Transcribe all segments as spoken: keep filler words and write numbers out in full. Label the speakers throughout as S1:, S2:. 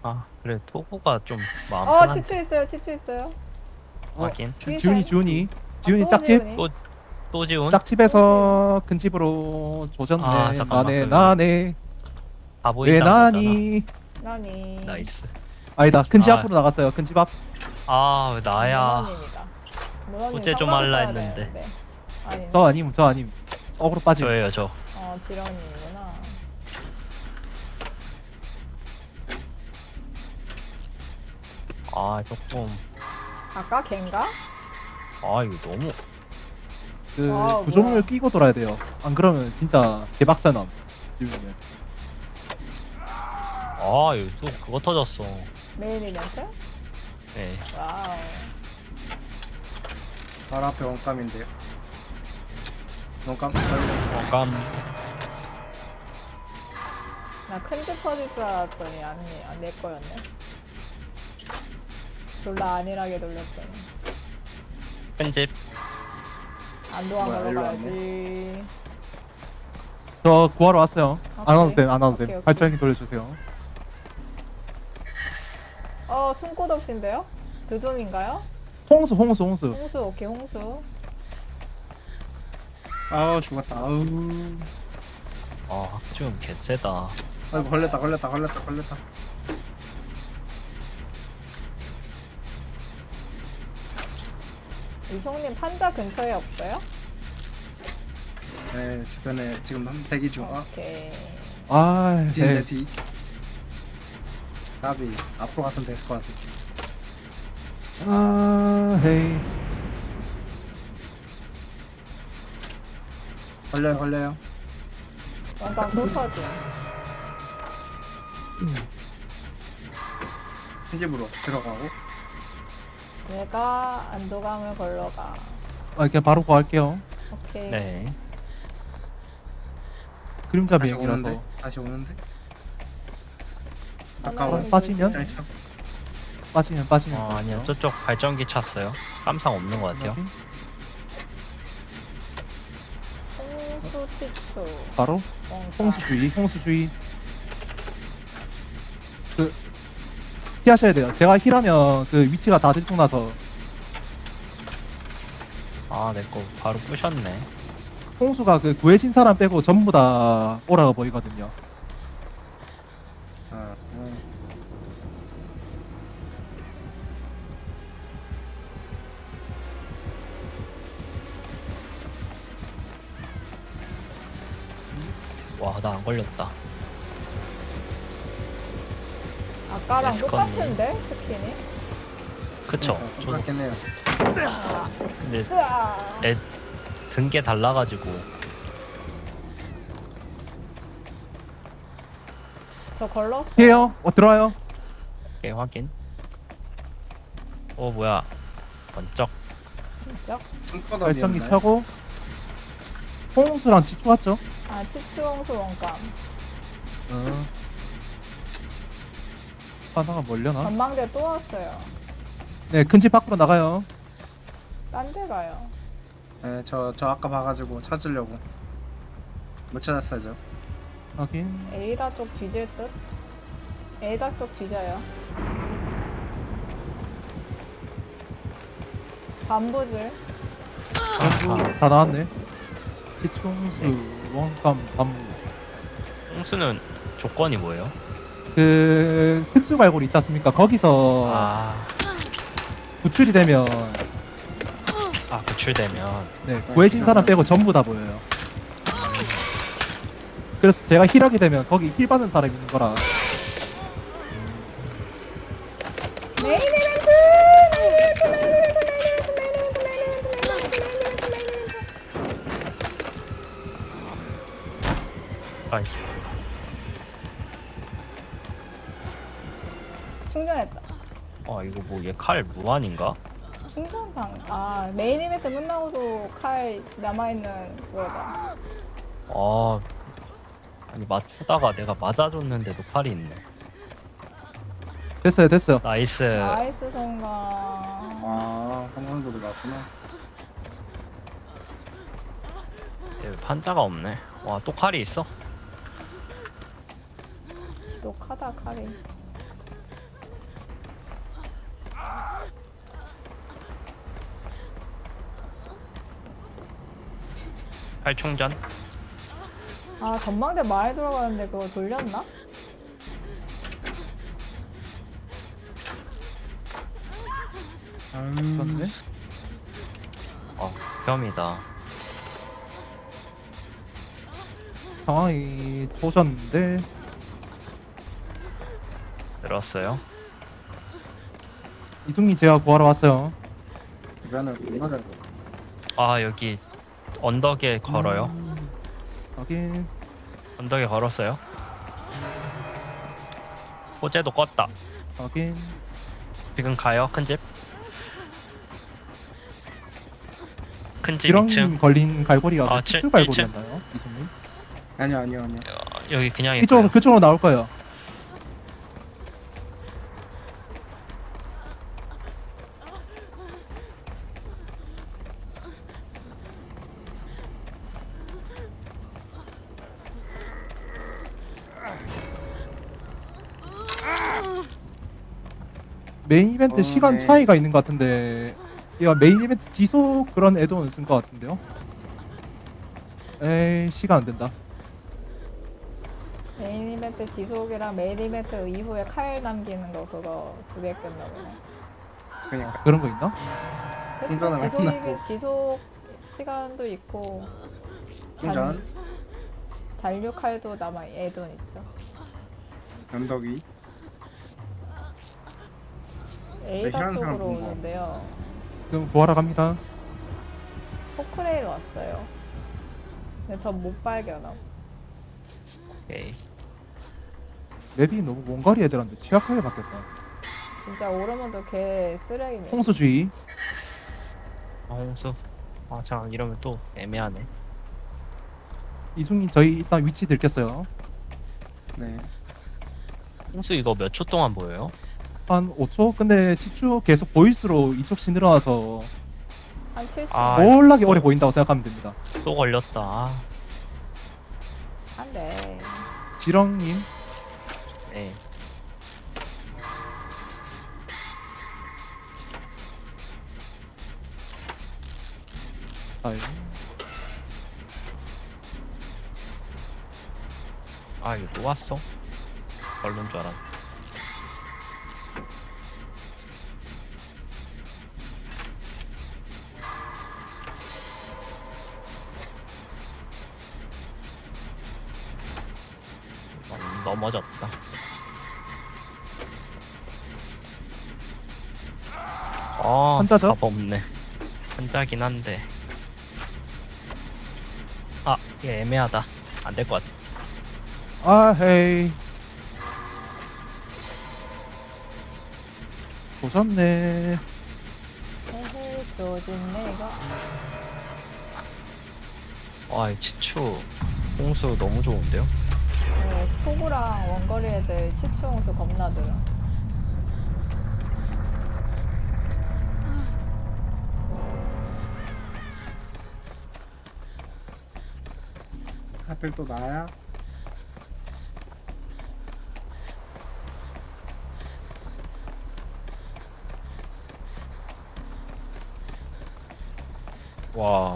S1: 아 그래 토구가 좀 마음
S2: 어
S1: 편한데.
S2: 치추 있어요. 치추 있어요.
S3: 어,
S1: 확인.
S3: 지- 지훈이 지훈이 지훈이
S2: 아, 또
S3: 짝집
S2: 지훈이?
S1: 또 또 지운?
S3: 짝집에서 큰 집으로
S1: 아
S3: 조졌네.
S1: 잠깐만
S3: 나네
S1: 그
S3: 나네
S1: 바보
S3: 왜
S1: 이상 거잖아.
S3: 나니.
S2: 나니.
S1: 나이스.
S3: 아니다, 큰 집
S1: 아.
S3: 앞으로 나갔어요. 큰 집 앞.
S1: 아 왜 나야.
S2: 문어님이다. 문어님
S1: 어째 좀
S2: 상관
S1: 할라
S2: 써야
S1: 했는데.
S2: 되는데. 아니.
S3: 저 아님 저 아님 어그로 빠짐.
S1: 저예요 저.
S2: 어 지렁이구나.
S1: 아 조금.
S2: 아까 걘가?
S1: 아 이거 너무.
S3: 그
S2: 아,
S3: 구조물
S2: 뭐야.
S3: 끼고 돌아야 돼요. 안 그러면 진짜 개박사남. 지훈이는.
S1: 아 이거 또 그거 터졌어.
S2: 메인 이벤트?
S1: 네.
S2: 와우.
S4: 바로 앞에 원감인데요. 원감
S1: 어감.
S2: 나 큰 집 터질 줄 알았더니 아니 아, 내 거였네. 졸라 안일하게 돌렸더니.
S1: 편집.
S2: 안도한
S4: 뭐야,
S2: 걸로
S4: 일로
S2: 가야지.
S3: 저 구하러 왔어요. 안 와도
S2: 오케이.
S3: 됨, 안 와도
S2: 오케이,
S3: 됨.
S2: 오케이.
S3: 발전기 돌려주세요.
S2: 어 숨꽃 없인데요? 드둠인가요?
S3: 홍수, 홍수, 홍수.
S2: 홍수 오케이 홍수.
S4: 아우 죽었다. 아우.
S1: 아 지금 개쎄다.
S4: 아이고 걸렸다 걸렸다 걸렸다 걸렸다.
S2: 이송님 판자 근처에 없어요?
S4: 네 주변에 지금 한 대기 중. 아
S2: 오케이.
S3: 아,
S4: 뒤네
S3: 네.
S4: 뒤. 나비 앞으로 가면 될 것 같아.
S3: 아, 헤이.
S4: 걸려요 걸려요.
S2: 원강 또 터짐.
S4: 큰 집으로 들어가고.
S2: 얘가 안도감을 걸러가.
S3: 아, 그냥 바로 구할게요.
S2: 오케이.
S1: 네.
S3: 그림자
S4: 다시
S3: 비행이라서.
S4: 오는데 다시 오는데.
S2: 하나는
S4: 아까워.
S3: 빠지면?
S4: 잘 참.
S3: 빠지면 빠지면.
S1: 어
S3: 빠지죠.
S1: 아니야 저쪽 발전기 찼어요. 깜상 없는 것 같아요.
S3: 확인.
S2: 홍수 치추.
S3: 바로
S2: 원강.
S3: 홍수주의, 홍수주의. 그 피하셔야 돼요. 제가 힐하면 그 위치가 다 들통나서
S1: 아 내 거 바로 부셨네.
S3: 홍수가 그 구해진 사람 빼고 전부 다 오라가 보이거든요.
S4: 아, 음.
S1: 와 나 안 걸렸다.
S2: 아까랑
S1: 에스컨님.
S2: 똑같은데 스킨이?
S1: 그쵸?
S4: 어,
S1: 저도
S4: 똑같긴 해요.
S1: 근데
S2: 으아.
S1: 애 든게 달라가지고.
S2: 저 걸렀어.
S3: 피해요. 어 들어와요.
S1: 오케이 확인. 어 뭐야 번쩍.
S2: 진짜?
S4: 손바닥
S3: 발전기
S4: 위였나요?
S3: 차고 홍수랑 치추 왔죠?
S2: 아 치추 홍수 원감.
S3: 어. 하나가 멀려나?
S2: 전망대 또 왔어요.
S3: 네, 큰 집 밖으로 나가요.
S2: 딴 데 가요.
S4: 네, 저, 저 아까 봐가지고 찾으려고 못 찾았어요 저.
S3: 확인.
S2: 에이다 쪽 뒤질 듯? 에이다 쪽 뒤져요. 반부질.
S3: 아, 다 나왔네. 치추, 홍수, 원감, 반무.
S1: 홍수는 조건이 뭐예요?
S3: 그 특수 발굴 있지 않습니까? 거기서
S1: 아,
S3: 구출이 되면
S1: 아 구출되면.
S3: 네, 구해진 사람 빼고 전부 다 보여요. 그래서 제가 힐하게 되면 거기 힐 받는 사람이 있는 거라.
S2: 메인 이벤트! 메인 이벤트! 메인 이벤트! 메인 이벤트! 메인 이벤트! 메인 이벤트! 메인 이벤트! 메인 이벤트!
S1: 아이
S2: 충전했다.
S1: 아 이거 뭐 얘 칼 무한인가?
S2: 충전방. 아 메인 이벤트 끝나고도 칼 남아있는 그거다.
S1: 아 아니 맞추다가 내가 맞아줬는데도 칼이 있네.
S3: 됐어요, 됐어요.
S1: 나이스.
S2: 나이스 성공.
S4: 아, 한강도로 나왔구나.
S1: 얘 판자가 없네. 와 또 칼이 있어?
S2: 지독하다 칼이.
S1: 활충전.
S2: 아 전망대 많이 들어가는데 그거 돌렸나?
S4: 음,
S3: 그런데
S1: 어, 혐이다.
S3: 상황이 좋으셨는데
S1: 들었어요?
S3: 이승민 제가 구하러 왔어요.
S4: 주변을 건너려.
S1: 아, 여기 언덕에 걸어요.
S3: 음, 확인.
S1: 언덕에 걸었어요. 호재도 껐다.
S3: 확인.
S1: 지금 가요, 큰 집. 큰 집
S3: 이런
S1: 이 층.
S3: 걸린 갈고리가
S1: 아,
S3: 그
S1: 칠-
S3: 특수 갈고리였나요? 이승민?
S4: 아니요 아니요 아니요.
S1: 어, 여기 그냥
S3: 이쪽
S1: 있고요.
S3: 그쪽으로 나올 거예요. 메인 이벤트
S4: 어,
S3: 시간
S4: 네.
S3: 차이가 있는 것 같은데 얘가 메인 이벤트 지속 그런 애드온 쓴 것 같은데요? 에이 시간 안 된다.
S2: 메인 이벤트 지속이랑 메인 이벤트 이후에 칼 남기는 거 그거 두 개 끝나 보네.
S4: 그러니까
S3: 그런 거 있나?
S2: 그쵸?
S4: 충전을
S2: 지속
S4: 안
S2: 이벤
S4: 하고.
S2: 지속 시간도 있고
S4: 충전
S2: 잔류 칼도 남아 애돈 있죠.
S4: 연덕이
S2: 에이다
S4: 싫어하는 사람
S2: 쪽으로
S4: 본 거.
S2: 오는데요.
S3: 그럼 구하러 갑니다.
S2: 포크레인 왔어요. 근데 전 못 발견함.
S1: 오케이.
S3: 맵이 너무 먼 거리 애들한테 취약하게 바뀌었다.
S2: 진짜 오르몬도 개 쓰레기네.
S3: 홍수주의.
S1: 아, 홍수. 아, 잠깐 이러면 또 애매하네.
S3: 이승민 저희 일단 위치 들켰어요.
S4: 네.
S1: 홍수 이거 몇 초 동안 보여요?
S3: 한 오 초? 근데 치추 계속 보일수록 이쪽씩 늘어나서
S2: 한 칠 초.
S1: 아,
S3: 몰라게 오래 보인다고 생각하면 됩니다.
S1: 또 걸렸다. 아,
S2: 한데
S3: 지렁님
S1: 네.
S3: 아이,
S1: 아, 이거 또 왔어? 걸린 줄 알았네. 넘- 넘어졌다. 아,
S3: 한자죠?
S1: 답 없네. 한자긴 한데. 아, 이게 애매하다. 안 될 것 같아.
S3: 아 헤이 보셨네.
S2: 헤헤 조진 내가
S1: 와, 이 치추 홍수 너무 좋은데요?
S2: 네, 토구랑 원거리 애들 치추홍수 겁나 들어.
S4: 하필 또 나야?
S1: 와.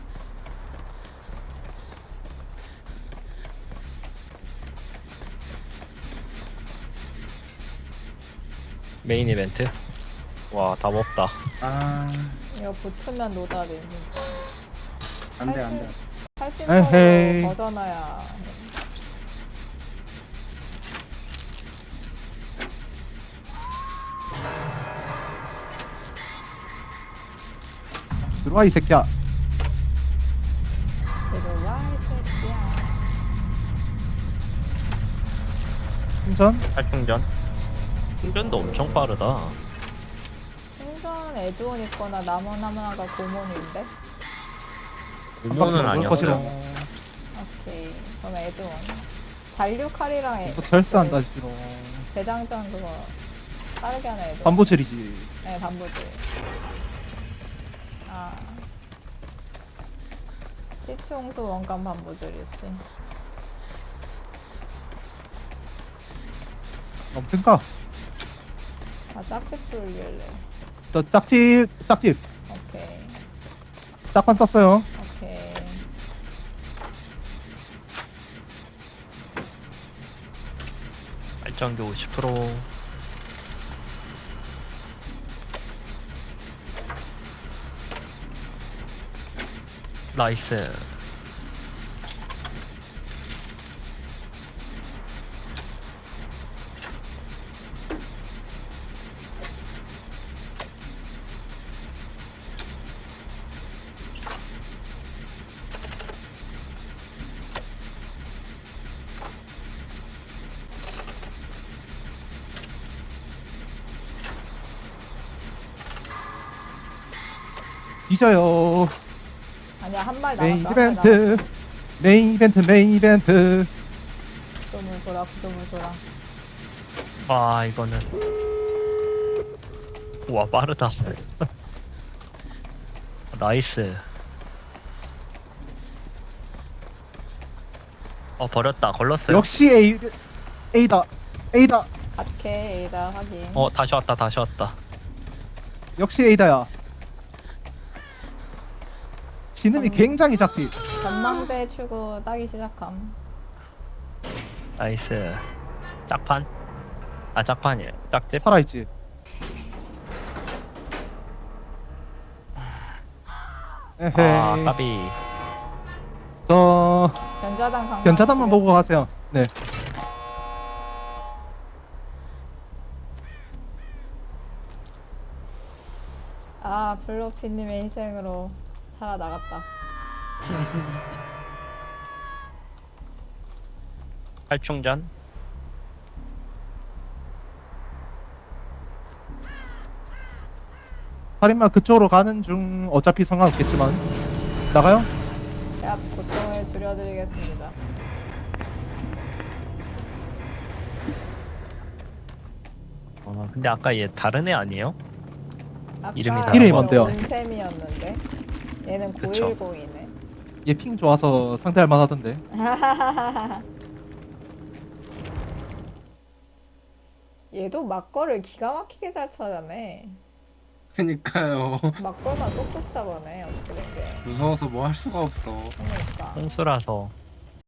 S1: 메인 이벤트? 와, 답 없다.
S4: 아
S2: 이거 붙으면 노다리 진짜.
S4: 안돼 안돼.
S3: 에헤이.
S2: 팔십으로 벗어나야.
S3: 들어와 이 새끼야.
S2: 들어와 이 새끼야.
S3: 충전.
S1: 활충전? 충전도 엄청 빠르다.
S2: 충전 에드온 있거나 나머나머나가 고문인데?
S1: 고문은
S3: 것이라.
S1: 아니었죠.
S2: 오케이. 그럼 에드온. 잔류 칼이랑 에,
S3: 또 절사한다 지로.
S2: 재장전 그거 빠르게 하는 에드온.
S3: 반보철이지.
S2: 네, 반부지. 아. 치추홍수 원감 반부줄이었지.
S3: 넘든가.
S2: 아, 짝집 돌길래.
S3: 저 짝집 짝집
S2: 오케이.
S3: 짝판 썼어요.
S2: 오케이.
S1: 발전기 오십 퍼센트. 나이스.
S3: 잊어요.
S2: 아니야, 한 발
S3: 메인
S2: 남았어. 한 발 남았어.
S3: 이벤트. 메인 이벤트, 메인 이벤트.
S2: 구조물 돌아, 구조물 돌아.
S1: 와 이거는 와 빠르다. 나이스. 어 버렸다. 걸렀어요.
S3: 역시 A, A다. A다.
S2: 갓케, 에이다, 확인.
S1: 어 다시 왔다. 다시 왔다.
S3: 역시 A다야. 지능이
S2: 음.
S3: 굉장히 작지.
S2: 전망대 출구 따기 시작함.
S1: 나이스. 짝판? 아 짝판이에요. 짝집?
S3: 살아있지. 에헤이.
S1: 아 까비.
S3: 저
S2: 견자단 강남.
S3: 견자단만 보고 가세요. 네.
S2: 아, 블로피님의 희생으로 살아나갔다.
S1: 활충전?
S3: 살인마 그쪽으로 가는 중. 어차피 상관없겠지만 나가요?
S2: 야, 고통을 줄여드리겠습니다.
S1: 어 근데 아까 얘 다른 애 아니에요?
S2: 아까
S1: 이름이
S3: 다른 이름이 뭔데요?
S2: 온셈이었는데 얘는
S1: 그쵸.
S2: 구일공이네.
S3: 얘 핑 좋아서 상대할 만하던데.
S2: 얘도 막걸을 기가 막히게 잘 찾아내.
S4: 그니까요.
S2: 막걸만 쏙쏙 잡아내. 어떻게 된 게.
S4: 무서워서 뭐 할 수가 없어.
S2: 그러니까.
S1: 홍수라서